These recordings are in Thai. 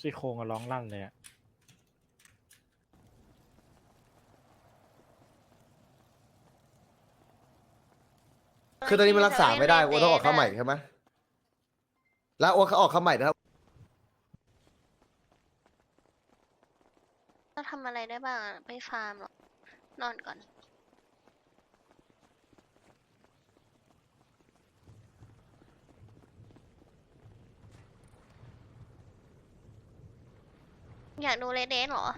ซี่โครงอะร้องลั่นเลยอะคือตอนนี้มันรักษาไม่ได้โอ้ต้องออกเข้าใหม่ใช่ไหมแล้วโอ้เขาออกเข้าใหม่นะครับเราทำอะไรได้บ้างอะไปฟาร์มหรอนอนก่อน อยากดูเรดเดนเหรอ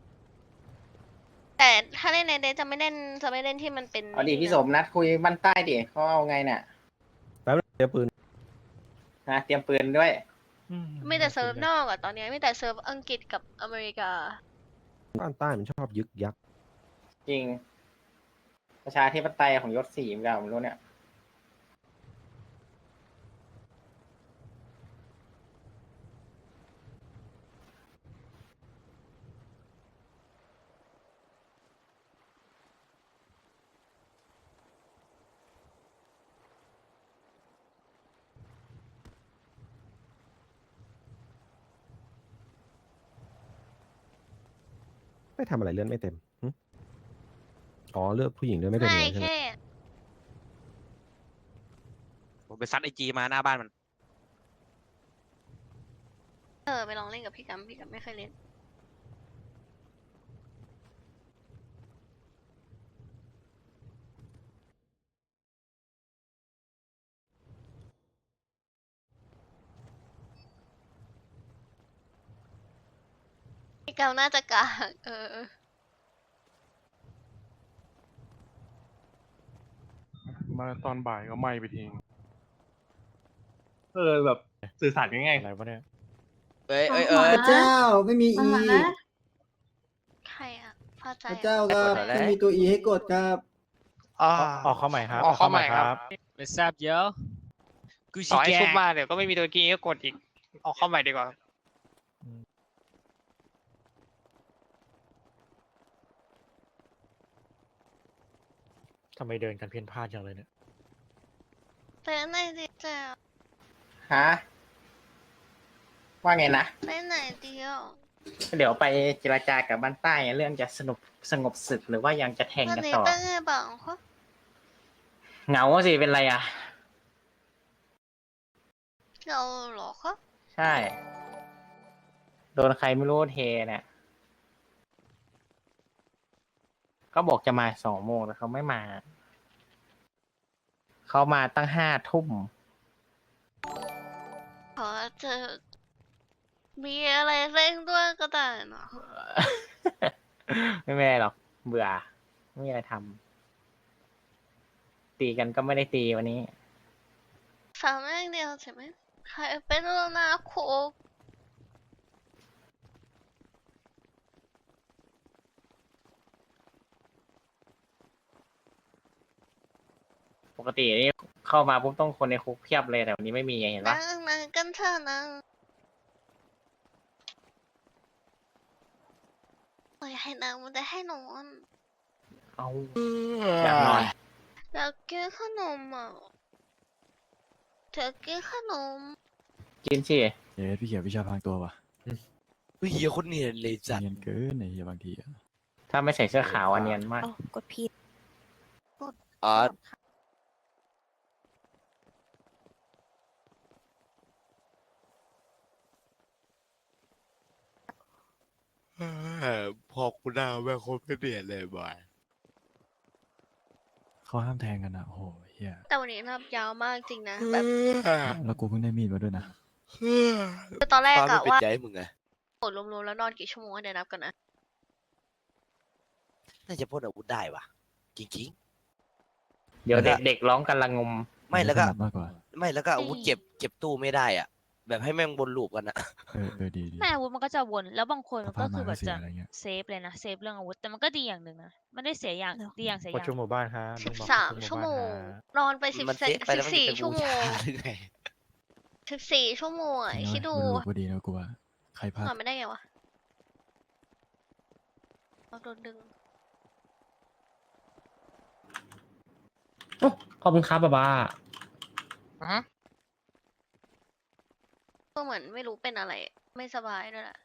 แต่ถ้าเล่นเรดเดนจะไม่เล่นที่มันเป็นเอาดินี่พี่นะสมนัดคุยบ้านใต้ดิเขาเอาไงเนี่ยแป๊บนึงเดี๋ยวปืนนะเตรียมปืนด้วยมีแต่เซิร์ฟนอกอะตอนนี้มีแต่เซิร์ฟอังกฤษกับอเมริกาบ้านใต้มันชอบยึกยักจริง ประชาธิปไตยของยศสี่มันผมรู้เนี่ยไม่ทำอะไรเลื่อนไม่เต็มหึอ๋อเลือกผู้หญิงเลื่อนไม่เต็มไม่เลยใช่ไหมแค่ผมไปซัดไอจีมาหน้าบ้านมันไปลองเล่นกับพี่กัมไม่เคยเล่น พี่กัมน่าจะกากมาตอนบ่ายก็ไหม้ไปทิ้งแบบสื่อสารง่ายอะไรวะเนี่ยเอ้ยพระเจ้าไม่มีอีใครอะพอใจพระอะเจ้าครับไม่มีตัวอีให้กดครับออกเข้าใหม่ครับออกเข้าใหม่ครับไม่ทราบเยอะกูต่ชิอให้แกซุปมาเดี๋ยวก็ไม่มีตัวกี้ก็กดอีก ออกเข้าใหม่ดีกว่าทำไมเดินกันเพี้ยนพลาดจังเลยเนี่ยแต่ไหนดีจ้ะฮะ ว่าไงนะไปไหนดีอ่ะเดี๋ยวไปเจรจากับบ้านใต้เรื่องจะสงบศึกหรือว่ายังจะแทงวันกันนี้ต่อเป็นไงบ้างคะเหงาสิเป็นไรอ่ะเราเหรอคะใช่ โดนใครไม่รู้เทเนี่ยก็บอกจะมา2 โมงแต่เขาไม่มา เขามาตั้ง5 ทุ่มขอจะมีอะไรเร่งด้วยก็ได้นะไม่แม่หรอก เบื่อ ไม่มีอะไรทำตีกันก็ไม่ได้ตีวันนี้สามอย่างเดียวใช่ไหมใครเป็นแล้วนะโคกปกตินี่เข้ามาปุ๊บต้องคนในคุกเพียบเลยแต่วันนี้ไม่มีไงเห็นปะนั่งกันเถอะนะโอ้ยให้นางมันจะให้นอนเอาอยากนอนอยากกินขนมอ่ะเธอกินขนมกินสิเย้พี่เขียววิชาพรางตัววะเฮียคนเนียนเลยจัดเนียนเกินไอ้เหี้ยบางทีอะถ้าไม่ใส่เสื้อขาวอันเนียนมากกดผิดอ๋อ พอคุณหน้าแม่งโคตรไม่เปลี่ยนเลยบอยเขาห้ามแทงกันอะโอ้โหเฮียแต่วันนี้รับยาวมากจริงนะแบบแล้วกูเพิ่งได้มีดมาด้วยนะคือตอนแรกฟ้าไม่อะปิดว่าใจให้มึงไงโหดรวมๆแล้วนอนกี่ชั่วโมงเดี๋ยวนับกันนะน่าจะพ่นอาวุธได้ว่ะ จริงเดี๋ยวเด็กๆร้องกันละงมๆ ไม่แล้วก็ถนัดมากกว่าไม่แล้วก็อาวุธเก็บตู้ไม่ได้อ่ะ แบบให้แม่งบนลูปกันอะดีดีแม่อาวุธมันก็จะวนแล้วบางคนมันก็สภาพคือแบบเสียจะอะไรเงี้ยเซฟเลยนะเซฟเรื่องอาวุธแต่มันก็ดีอย่างหนึ่งนะมันได้เสียอย่างดีอย่างเสียอประย่างชุมหมู่บ้านครับสิบลุงบอกสามประชั่วหโมบ้านงฮะนอนไปสิบมันเซฟไปแล้วมันสี่เป็นชั่วบูโมชาง หรือไงชั่วโมงอะคิดดูมันรู้พอดีนะกูว่าใครพลาดนอนไม่ได้ไงวะเราโดนดึงขอบคุณครับบ้าก็เหมือนไม่รู้เป็นอะไรไม่สบายด้วยแหละ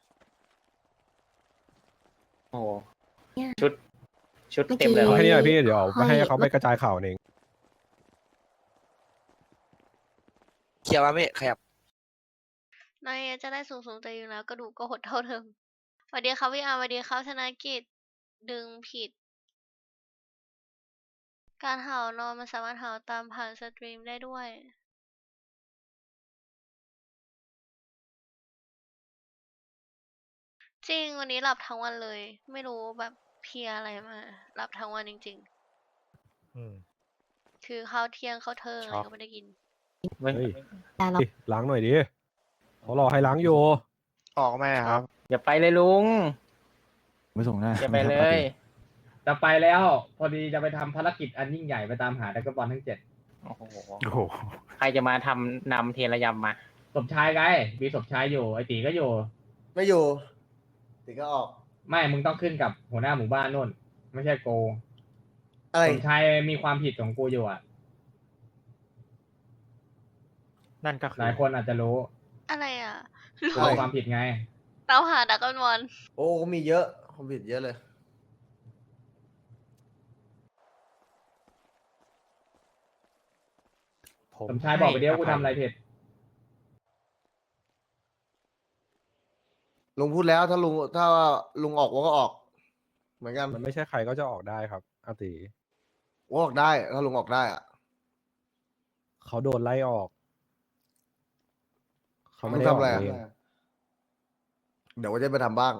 โอ้โหชุดเต็มเลยเอาวะให้นี่หน่อยพี่เดี๋ยวไปให้เขาไปกระจายข่าวเองเคลียร์มาไม่ขยับนายจะได้สูงๆแต่อยู่แล้วกระดูกก็หดเท่าเดิมสวัสดีครับพี่อาร์สวัสดีครับธนกิจดึงผิด การเห่านอนมันสามารถเห่าตามผ่านสตรีมได้ด้วย จริงวันนี้หลับทั้งวันเลย ไม่รู้แบบเพลียอะไรมาหลับทั้งวันจริงอืมๆ คือข้าวเที่ยงข้าวเทิงอะไรช็อกก็ไม่ได้กินไม่เฮ้ยดิล้างหน่อยดิเขารอให้ล้างอยู่ออกไหมครับอย่าไปเลยลุงไม่ส่งหน้าอย่าไปม่เลทำปาร์ยตี้จะไปแล้วพอดีจะไปทำภารกิจอันยิ่งใหญ่ไปตามหาดักเบิลบอลทั้ง7 โอ้โหโอ้โหใครจะมาทำนำเทระยำมาสมชายไงมีสมชายอยู่ไอตีก็อยู่ไม่อยู่ติก็ออกไม่มึงต้องขึ้นกับหัวหน้าหมู่บ้านนู่น ไม่ใช่โกอะไรสมชายมีความผิดของกูอยู่อ่ะนั่นก็คืหลายคนอาจจะรู้อะไรอ่ะกูมีความผิดไงเราหาดักกันบอลโอ้เขามีเยอะเขาผิดเยอะเลยสมชายบอกไปเดียวกูทำอะไรผิดลุงพูดแล้วถ้าลุงออกวอก็ออก เหมือนกันมันไม่ใช่ใครก็จะออกได้ครับอาติวอออกได้ถ้าลุงออกได้อะเขาโดนไล่ออก เขาลุไม่งได้อทำอกอะไรเองอะเดี๋ยวว่าจะไปทำบ้าง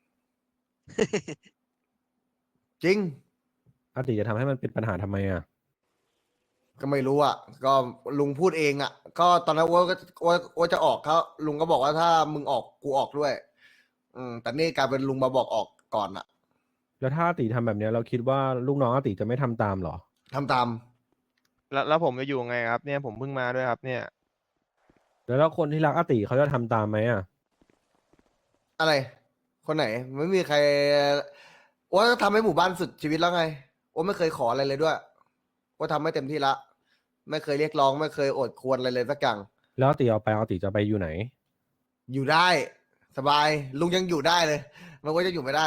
จริงอาติจะทำให้มันเป็นปัญหาทำไมอ่ะก็ไม่รู้อ่ะ ก็ลุงพูดเองอ่ะ ก็ตอนนั้นว่าจะออกเขาลุงก็บอกว่าถ้ามึงออกกูออกด้วย แต่นี่กลายเป็นลุงมาบอกออกก่อนอ่ะแล้วถ้าอาติทำแบบเนี้ยเราคิดว่าลูกน้องอาติจะไม่ทำตามเหรอทำตามแล้วผมจะอยู่ไงครับ เนี่ยผมเพิ่งมาด้วยครับ เนี่ยแล้วคนที่รักอาติเขาจะทำตามไหมอ่ะอะไร คนไหน ไม่มีใครว่าทำให้หมู่บ้านสุดชีวิตแล้วไงว่าไม่เคยขออะไรเลยด้วยว่าทำให้เต็มที่ละ ไม่เคยเรียกร้อง ไม่เคยอดควรอะไรเลยสักอย่างแล้วอาติเอาไปอาติจะไปอยู่ไหนอยู่ได้ สบาย ลุงยังอยู่ได้เลยมันว่าจะอยู่ไม่ได้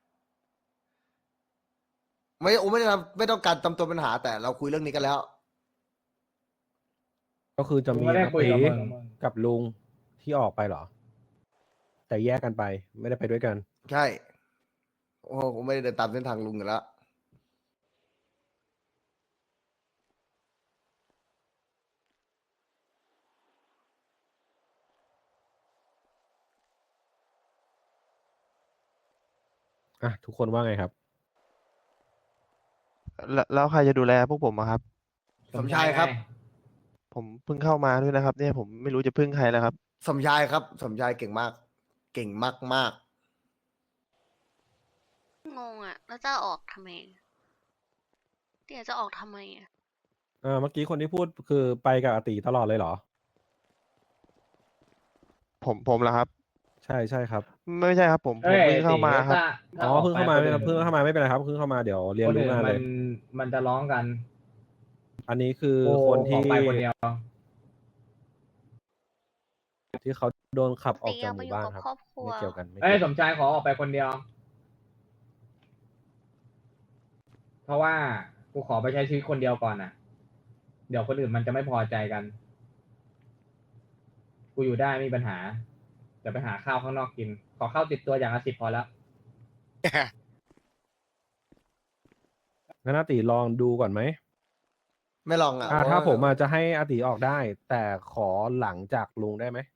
ไม่ได้ไม่ต้องการทำตัวปัญหา แต่เราคุยเรื่องนี้กันแล้วก็คือจะกูมีไม่ได้อาคุยติกับมึงกับลุงที่ออกไปเหรอ แต่แยกกันไปไม่ได้ไปด้วยกันใช่ โอ้โหผมไม่ได้เดินตามเส้นทางลุงอยู่แล้วอ่ะ ทุกคนว่าไงครับแล้วใครจะดูแลพวกผมอะครับสมชายครับไงผมเพิ่งเข้ามาด้วยนะครับ เนี่ยผมไม่รู้จะพึ่งใครแล้วครับสมชายครับ สมชายเก่งมาก เก่งมากงงอ่ะ แล้วจะออกทำไมเดี๋ยวจะออกทำไมอ่ะเมื่อกี้คนที่พูดคือไปกับอาติตลอดเลยเหรอผมเหรอครับใช่ใช่ครับไม่ใช่ครับ ผมเอ้ยเพิ่งเข้ามาตีครับถ้อ๋อเพิ่งเข้ามาออกไม่ไปเพิ่งเข้ามาไม่เป็นไรครับเพิ่งเข้ามาเดี๋ยวเรียนคนรู้อื่นงานมัเลนยมันจะร้องกันอันนี้คือกูคนอที่อกไปคนเดียวที่เขาโดนขับออกตีจากเอาหไปมู่อยู่บ้านกับครับครอบครัวไม่เกี่ยวกันไม่เอ้ยเกี่ยวสมชายขอออกไปคนเดียว เพราะว่ากูขอไปใช้ชีวิตคนเดียวก่อนน่ะ เดี๋ยวคนอื่นมันจะไม่พอใจกัน กูอยู่ได้ไม่มีปัญหาจะไปหาข้าวข้างนอกกิน ขอข้าวติดตัวอย่างละ10พอแล้วงั้นอาติลองดูก่อนไหมๆ ไม่ลองอ่ะถ้าเพระว่ผมอาจจะให้อาติออกได้ แต่ขอหลังจากลุงได้ไหม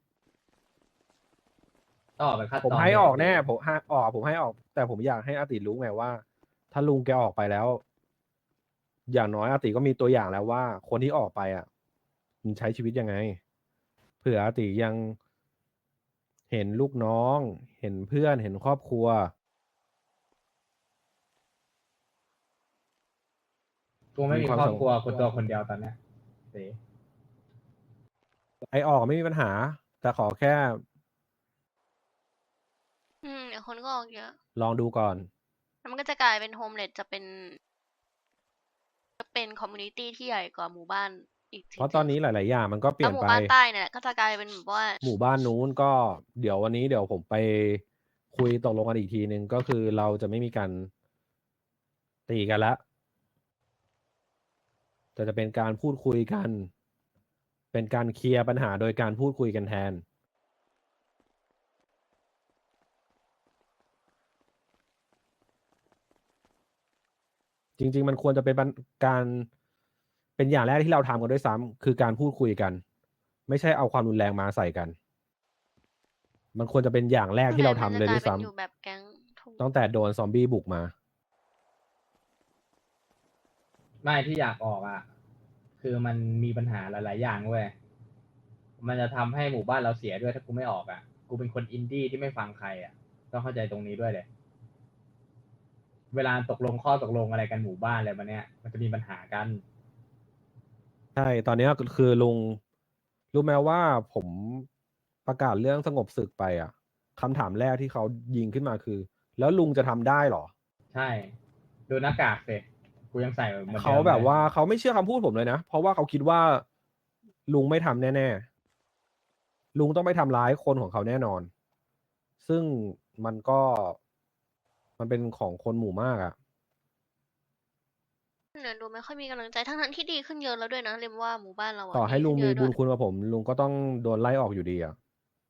ต้องออกไปคัดผมตอนให้ออกเดียวแน่ผมให้ออกผมให้ออก แต่ผมอยากให้อาติรู้ไงว่า ถ้าลุงแกออกไปแล้ว อย่างน้อยอาติก็มีตัวอย่างแล้วว่า คนที่ออกไปอ่ะมันใช้ชีวิตยังไง เผื่ออาติยังเห็นลูกน้อง เห็นเพื่อนเห็นครอบครัวกูไม่มีมีความครอบสุขครัวกูตัวคนเดียวตอนเนี้ยเสีไอออกไม่มีปัญหา แต่ขอแค่เดี๋ยวคนก็ออกเยอะลองดูก่อนแล้วมันก็จะกลายเป็นโฮมเลสจะเป็นคอมมูนิตี้ที่ใหญ่กว่าหมู่บ้านอีกทีเพราะตอนนี้หลาย ๆ อย่างมันก็เปลี่แล้ยว นหมู่ไปบ้านใต้เนี่ยก็จะกลายเป็นแบบว่าหมู่บ้านนู้นก็เดี๋ยววันนี้เดี๋ยวผมไปคุยตกลงกันอีกทีนึงก็คือเราจะไม่มีการตีกันละแต่จะเป็นการพูดคุยกัน เป็นการเคลียร์ปัญหาโดยการพูดคุยกันแทน จริง ๆ มันควรจะเป็นการเป็นอย่างแรกที่เราทำกันด้วยซ้ำคือการพูดคุยกัน ไม่ใช่เอาความรุนแรงมาใส่กัน มันควรจะเป็นอย่างแรกที่เราทำเลยด้วยซ้มันจะกาเป็นอยู่แบบแก๊งถูกำตั้งแต่โดนซอมบี้บุกมาไม่ที่อยากออกอ่ะ คือมันมีปัญหาหลาย ๆ อย่างเว้ย มันจะทำให้หมู่บ้านเราเสียด้วยถ้ากูไม่ออกอ่ะ กูเป็นคนอินดี้ที่ไม่ฟังใครอ่ะ ต้องเข้าใจตรงนี้ด้วยเลย เวลาตกลงข้อตกลงอะไรกันหมู่บ้านอะไรมาเนี้ย มันจะมีปัญหากันใช่ ตอนนี้คือลุงรู้ไหมว่าผมประกาศเรื่องสงบศึกไปอ่ะคำถามแรกที่เขายิงขึ้นมาคือ แล้วลุงจะทำได้เหรอใช่ ดูหน้ากากสิกูยังใส่เหมือนเดิมเขาแบบลยว่าเขาไม่เชื่อคำพูดผมเลยนะ เพราะว่าเขาคิดว่าลุงไม่ทำแน่ๆ ลุงต้องไปทำร้ายคนของเขาแน่นอน ซึ่งมันเป็นของคนหมู่มากอ่ะเนี่ยดูไม่ค่อยมีกำลังใจทั้งที่ดีขึ้นเยอะแล้วด้วยนะเรียมว่าหมู่บ้านเราอะต่อให้ดีลุงขึ้นมีเยอะบุด้ญวยคุณกับผม ลุงก็ต้องโดนไล่ออกอยู่ดีอ่ะ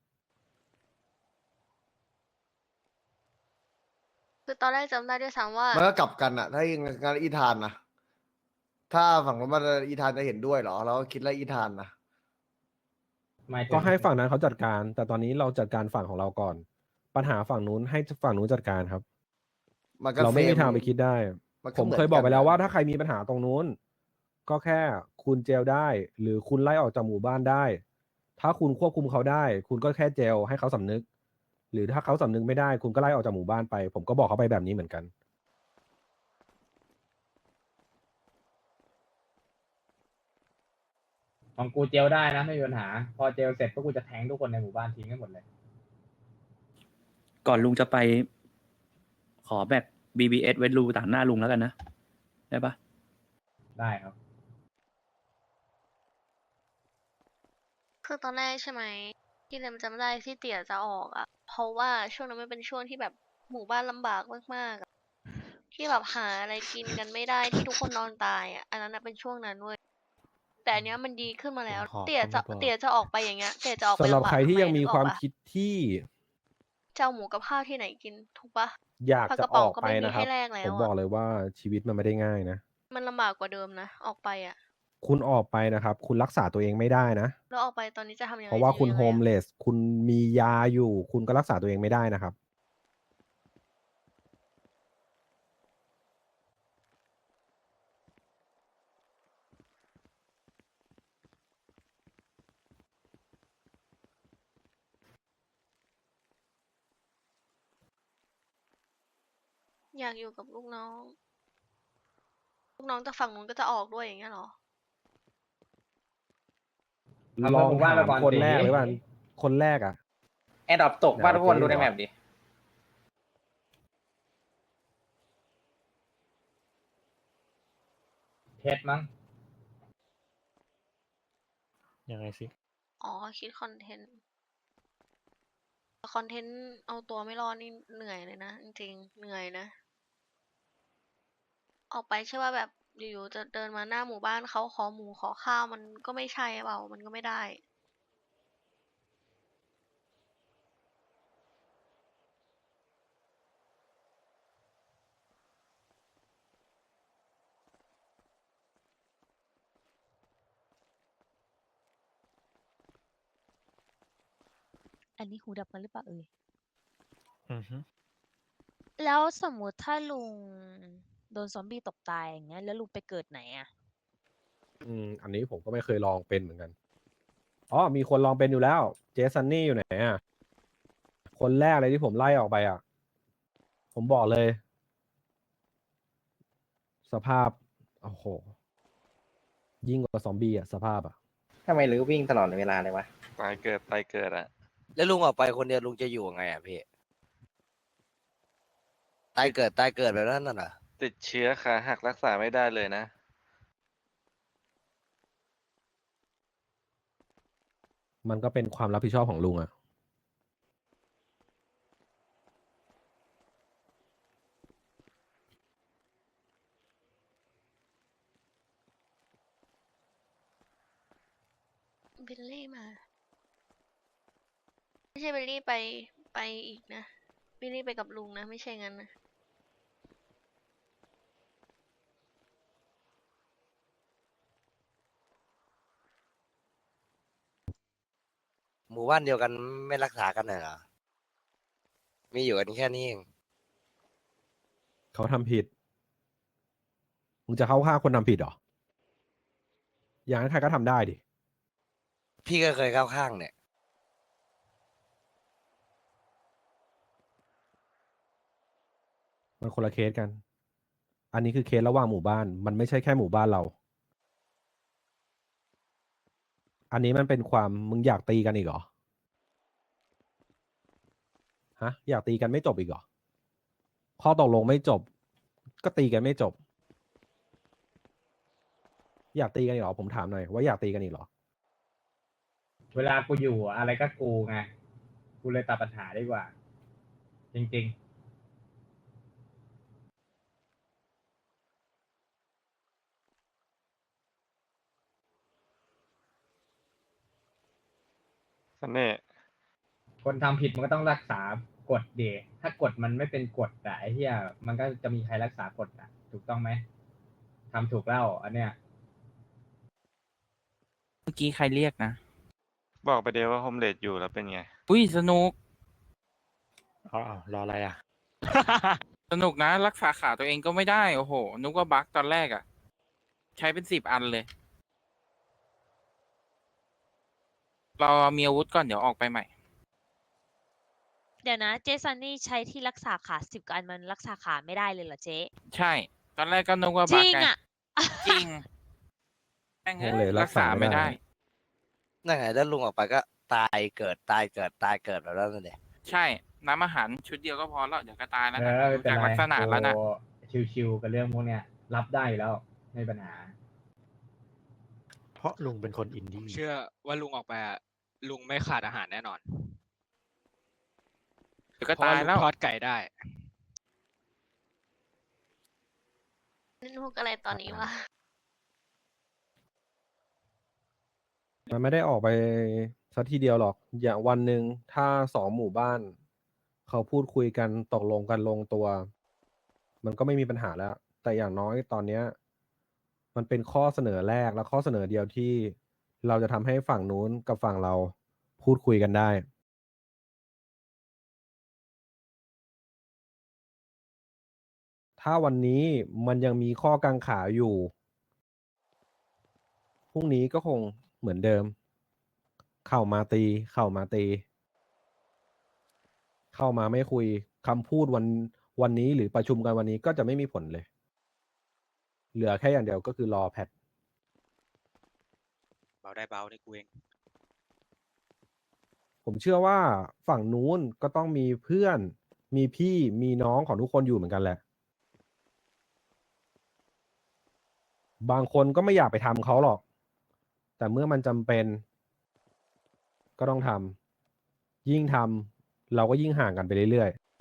คือตอนแรกจำได้ด้วยซ้ำว่ามันก็กลับกันอะถ้าอย่างงานอีธานนะถ้าฝั่งนู้นมันอีธานจะเห็นด้วยเหรอเราก็คิดแล้วอีธานนะไม่ก็ให้ฝั่งนั้นเขาจัดการ แต่ตอนนี้เราจัดการฝั่งของเราก่อน ปัญหาฝั่งนู้นให้ฝั่งนู้นจัดการครับมันก็เราไม่มีเซทางไปคิดได้มันก็ผมหนเคยบอกไปนแล้วนะว่าถ้าใครมีปัญหาตรงนู้น ก็แค่คุณเจลได้ หรือคุณไล่ออกจากหมู่บ้านได้ ถ้าคุณควบคุมเขาได้ คุณก็แค่เจลให้เขาสำนึก หรือถ้าเขาสำนึกไม่ได้ คุณก็ไล่ออกจากหมู่บ้านไป ผมก็บอกเขาไปแบบนี้เหมือนกันของกูเจลได้นะไม่มีปัญหา พอเจลเสร็จก็กูจะแทงทุกคนในหมู่บ้านทิ้งให้หมดเลยก่อนลุงจะไป ขอแบบ BBS ไว้รูต่างหน้าลุงแล้วกันนะ ได้ปะได้ครับคือตอนแรกใช่ไหมที่เรมจำได้ที่เตี่ยจะออกอ่ะ เพราะว่าช่วงนั้นมันเป็นช่วงที่แบบหมู่บ้านลำบากมากๆอะที่แบบหาอะไรกินกันไม่ได้ที่ทุกคนนอนตายอ่ะอันนั้นนะเป็นช่วงนั้นเว้ยแต่อันเนี้ยมันดีขึ้นมาแล้วขอเตี่ยจะก็ไม่บอกเตี่ยจะออกไปอย่างเงี้ยเตี่ยจะออกไปสำหรับลำบากใครที่ทำไยังมีนึกอคอกวามปะคิดที่จะเอาหมูกับข้าวที่ไหนกินถูกปะอยากปลาจะกระอป๋องอกก็ไปไม่มีนะคให้รับแลกแล้ผวมบออ่ะกเลยว่าชีวิตมันไม่ได้ง่ายนะมันลำบากกว่าเดิมนะออกไปอ่ะคุณออกไปนะครับ คุณรักษาตัวเองไม่ได้นะแล้วออกไปตอนนี้จะทำยังเพไงราะว่าจะอคุณยู่ยังโฮไงมอะเลส คุณมียาอยู่ คุณก็รักษาตัวเองไม่ได้นะครับอยากอยู่กับลูกน้อง ลูกน้องจากฝั่งนู้นก็จะออกด้วยอย่างเงี้ยเหรอเอาลองหมู่บ้านถามไปก่อนคนสิแรกเลยว่าคนแรกอ่ะแอร์ดรอปตกบ้านทุกคนดูในแมปดิเทสมั้งยังไงสิอ๋อ คิดคอนเทนต์ คอนเทนต์เอาตัวไม่รอดนี่เหนื่อยเลยนะ จริงๆ เหนื่อยนะ ออกไปใช่ว่าแบบอยู่ๆจะเดินมาหน้าหมู่บ้านเขาขอหมูขอข้าวมันก็ไม่ใช่เปล่า มันก็ไม่ได้อันนี้หูดับกันหรือเปล่าเอ่ยอือฮึแล้วสมมุติถ้าลุงโดนซอมบี้ตกตายอย่างเงี้ย แล้วลุงไปเกิดไหนอะอันนี้ผมก็ไม่เคยลองเป็นเหมือนกัน อ๋อ มีคนลองเป็นอยู่แล้ว เจสันนี่อยู่ไหนอ่ะ คนแรกเลยที่ผมไล่ออกไปอ่ะ ผมบอกเลย สภาพ โอ้โห ยิ่งกว่าซอมบี้อ่ะ สภาพอ่ะทำไมรื้อวิ่งตลอดเวลาเลยวะตายเกิดอะแล้วลุงออกไปคนเดียวลุงจะอยู่ยังไงอ่ะพี่ ตายเกิดแบบนั้นน่ะเหรอติดเชื้อขาหักรักษาไม่ได้เลยนะมันก็เป็นความรับผิดชอบของลุงอะบิลลี่มา ไม่ใช่บิลลี่ไปอีกนะบิลลี่ไปกับลุงนะ ไม่ใช่งั้นนะหมู่บ้านเดียวกันไม่รักษากันหน่อยเหรอ มีอยู่กันแค่นี้เองเขาทำผิด มึงจะเข้าข้างคนทำผิดเหรอ อย่างนั้นใครก็ทำได้ดิพี่ก็เคยเข้าข้างเนี่ยมันคนละเคสกัน อันนี้คือเคสระหว่างหมู่บ้าน มันไม่ใช่แค่หมู่บ้านเรา อันนี้มันเป็นความมึงอยากตีกันอีกเหรอ ฮะ อยากตีกันไม่จบอีกเหรอ ข้อตกลงไม่จบ ก็ตีกันไม่จบ อยากตีกันอีกเหรอ ผมถามหน่อยว่าอยากตีกันอีกเหรอเวลากูอยู่อะอะไรก็กูไง กูเลยตัดปัญหาดีกว่า จริงสเน่ห์ๆ คนทำผิดมันก็ต้องรักษากฎเดถ้ากฎมันไม่เป็นกฎอะไอ้เหี้ยมันก็จะมีใครรักษากฎอะถูกต้องไหมทำถูกแล้วอันเนี้ยเมื่อกี้ใครเรียกนะบอกไปเดียวว่าโฮมเลดอยู่แล้วเป็นไงอุ้ยสนุกอ๋อรออะไรอ่ะสนุกนะ รักษาขาตัวเองก็ไม่ได้ โอ้โห นึกว่าบั๊กตอนแรกอะใช้เป็น10 อันเลย เรามีอาวุธก่อนเดี๋ยวออกไปใหม่เดี๋ยวนะ เจสันนี่ใช้ที่รักษาขา10 กว่าอันมันรักษาขาไม่ได้เลยเหรอเจ๊ใช่ ตอนแรกก็นึกว่าจบั๊กริงไงอ่ะจริงแม่งโอ้เลยรัรักกษาษาไม่ไม่ได้ได้นั่นไงแล้วลุงออกไปก็ตายเกิดตายเกิดตายเกิดแบบนั้นเลยใช่ น้ำอาหารชุดเดียวก็พอแล้ว เดี๋ยวก็ตายแล้วเอนะอไม่ดูเป็นจากไรลักษณะแล้วนะกูชิวๆกับเรื่องพวกเนี้ย รับได้อยู่แล้วไม่มีปัญหาเพราะลุงเป็นคนอินดี้เชื่อว่าลุงออกไปอะลุงไม่ขาดอาหารแน่นอนเดี๋ยวก็เพราะตาว่าย ลุแล้วงทอดไก่ได้เล่นมุกอะไรตอนนี้วะมันไม่ได้ออกไปสักทีเดียวหรอก อย่างวันหนึ่งถ้า2 หมู่บ้าน เขาพูดคุยกันตกลงกันลงตัว มันก็ไม่มีปัญหาแล้ว แต่อย่างน้อยตอนเนี้ย มันเป็นข้อเสนอแรกและข้อเสนอเดียวที่เราจะทำให้ฝั่งนู้นกับฝั่งเราพูดคุยกันได้ ถ้าวันนี้มันยังมีข้อกังขาอยู่ พรุ่งนี้ก็คงเหมือนเดิม เข้ามาตี เข้ามาตี เข้ามาไม่คุยคำพูดวันนี้หรือประชุมกันวันนี้ก็จะไม่มีผลเลย เหลือแค่อย่างเดียวก็คือรอแพทเบาได้เบาได้กูเองผมเชื่อว่าฝั่งนู้นก็ต้องมีเพื่อน มีพี่มีน้องของทุกคนอยู่เหมือนกันแหละ บางคนก็ไม่อยากไปทำเขาหรอก แต่เมื่อมันจำเป็น ก็ต้องทำยิ่งทำเราก็ยิ่งห่างกันไปเรื่อยๆ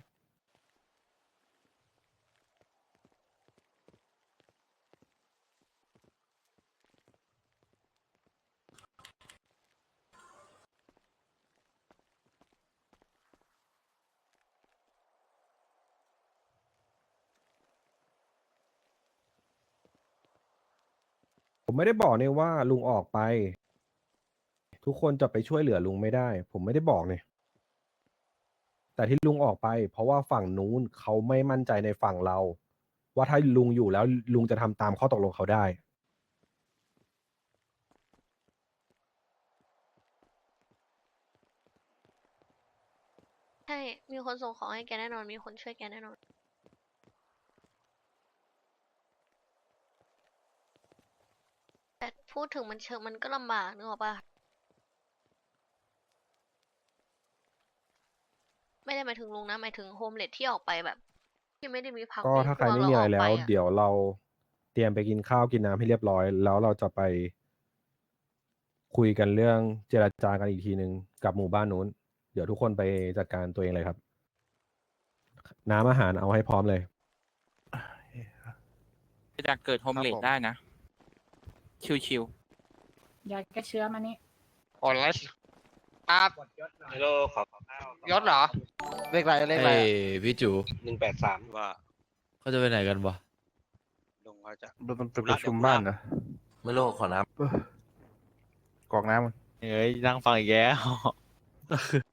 ผมไม่ได้บอกเนี่ยว่าลุงออกไป ทุกคนจะไปช่วยเหลือลุงไม่ได้ ผมไม่ได้บอกเนี่ย แต่ที่ลุงออกไป เพราะว่าฝั่งนู้นเขาไม่มั่นใจในฝั่งเรา ว่าถ้าลุงอยู่แล้วลุงจะทำตามข้อตกลงเขาได้ใช่ มีคนส่งของให้แกแน่นอน มีคนช่วยแกแน่นอน แต่พูดถึงมันมันก็ลำบากนึกออกปะไม่ได้หมายถึงลุงนะ หมายถึงโฮมเลดที่ออกไปแบบ ที่ไม่ได้มีพักก็มีถ้าพใครวกไม่แล้วมีออะไรอกแล้ไปวอะเดี๋ยวเราเตรียมไปกินข้าวกินน้ำให้เรียบร้อย แล้วเราจะไปคุยกันเรื่องเจรจากันอีกทีหนึ่งกับหมู่บ้านนู้น เดี๋ยวทุกคนไปจัดการตัวเองเลยครับ น้ำอาหารเอาให้พร้อมเลยจะเกิดโฮมเลดได้นะ ชิวยาแก้เชื้อมานี่โอนแล้วครับฮัลโหลขอยศเหรอเลขอะไรเลขอะไรพี่จู183ว่าเขาจะไปไหนกันวะลุงเขาจะมันเป็นประชุมบ้านนะไม่รู้ขอน้กรอกน้ำมันเฮ้ยนั่งฟังอีกแล้ว